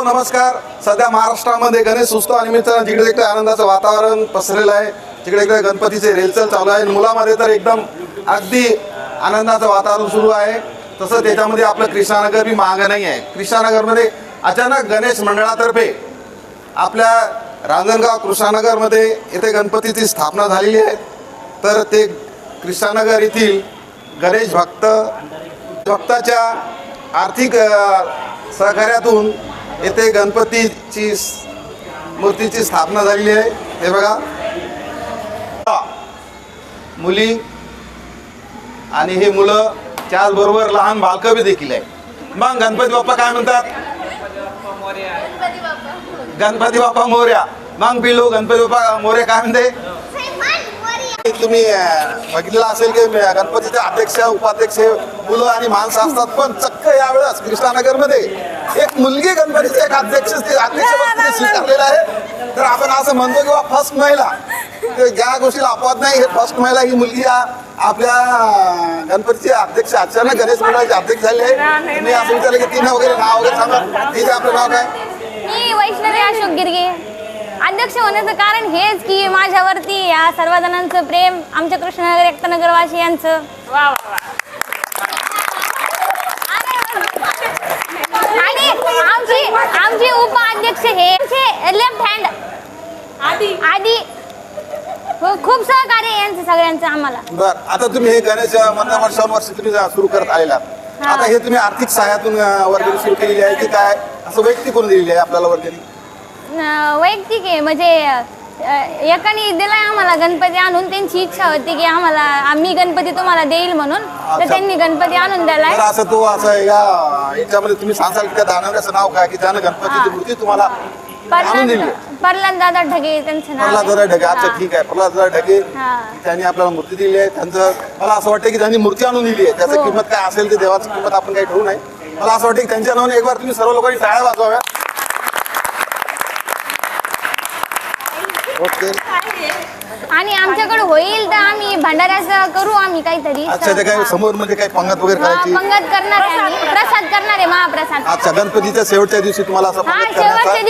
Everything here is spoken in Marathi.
नमस्कार. सध्या महाराष्ट्रामध्ये गणेश उत्सवानिमित्त जिकडे तिकडे आनंदाचं वातावरण पसरलेलं आहे. जिकडे तिकडे गणपतीचे रेलचल चालू आहे. मुलामध्ये तर एकदम अगदी आनंदाचं वातावरण सुरू आहे. तसं त्याच्यामध्ये आपलं कृष्णानगर बी मागं नाही आहे. कृष्णानगरमध्ये अचानक गणेश मंडळातर्फे आपल्या रांजणगाव कृष्णानगरमध्ये येथे गणपतीची स्थापना झालेली आहे. तर ते कृष्णानगर येथील गणेश भक्ताच्या आर्थिक सहकार्यातून येथे गणपतीची मूर्तीची स्थापना झालेली आहे. हे बघा, मुली आणि हे मुलं त्याचबरोबर लहान बालकं बी देखील आहे. मग गणपती बाप्पा काय म्हणतात? गणपती बाप्पा मोरया. मग पिल्लू गणपती बाप्पा मोरया काय म्हणते? तुम्ही बघितलं असेल की गणपतीचे अध्यक्ष उपाध्यक्ष मुलं आणि माणसं असतात, पण चक्क यावेळेस कृष्णानगरमध्ये एक मुलगी गणपतीचे एक अध्यक्ष स्वीकारलेला आहे. तर आपण असं म्हणतो की फर्स्ट महिला, ज्या गोष्टीला अपवाद नाही, हे फर्स्ट महिला ही मुलगी आपल्या गणपतीचे अध्यक्ष अचानक गणेश मंडळाचे अध्यक्ष झाले आहे. मी असं विचारलं की तिने वगैरे नाव वगैरे सांगा. तिथे आपलं नाव काय? मी वैष्णवी अशोक गिरगे. अध्यक्ष होण्याचं कारण हेच की माझ्यावरती या सर्व जणांचं प्रेम, आमच्या कृष्णनगर एकतानगरवासियांचं. आणि आमचे उपाध्यक्ष हे लेफ्ट हँड आधी खूप सहकार्य आहे यांचं सगळ्यांचं आम्हाला. बर, आता तुम्ही हे गणेश वर्षानुवर्ष तुम्ही सुरू करत आलेला. आता हे तुम्ही आर्थिक सहाय्यातून वर्गणी सुरू केलेली आहे की काय, असं वैयक्तिक कोण दिलेली आहे आपल्याला वर्गणी? वैयक्तिक आहे. म्हणजे एकाने दिलाय आम्हाला गणपती आणून. त्यांची इच्छा होती की आम्ही गणपती तुम्हाला देईल म्हणून, तर त्यांनी गणपती आणून दिलाय. असं तो असं याच्यामध्ये तुम्ही सांगाल की त्या दानवऱ्याचं नाव काय की त्यानं गणपतीची मूर्ती तुम्हाला आणून दिली? प्रल्हाद दादा ढगे त्यांचं नाव. प्रल्हाद दादा ढगे. अच्छा, ठीक आहे. प्रल्हाद दादा ढगे त्यांनी आपल्याला मूर्ती दिली आहे. त्यांचं मला असं वाटतं की त्यांनी मूर्ती आणून दिली आहे. त्याची किंमत काय असेल ते देवाची किंमत आपण काही ठेवू नाही. मला असं वाटतं की त्यांच्या नावाने एक बार तुम्ही सर्व लोकांनी टाळ्या वाजवाव्या. ओके. आणि आमच्याकडे होईल तर आम्ही भंडाऱ्याचं करू आम्ही काहीतरी. अच्छा, ते काय समोर म्हणजे काय पंगत वगैरे करायची? पंगत करणार आहे आम्ही, प्रसाद करणार आहे, महाप्रसाद. अच्छा, गणपतीच्या शेवटच्या दिवशी तुम्हाला असं पंगत करण्याचा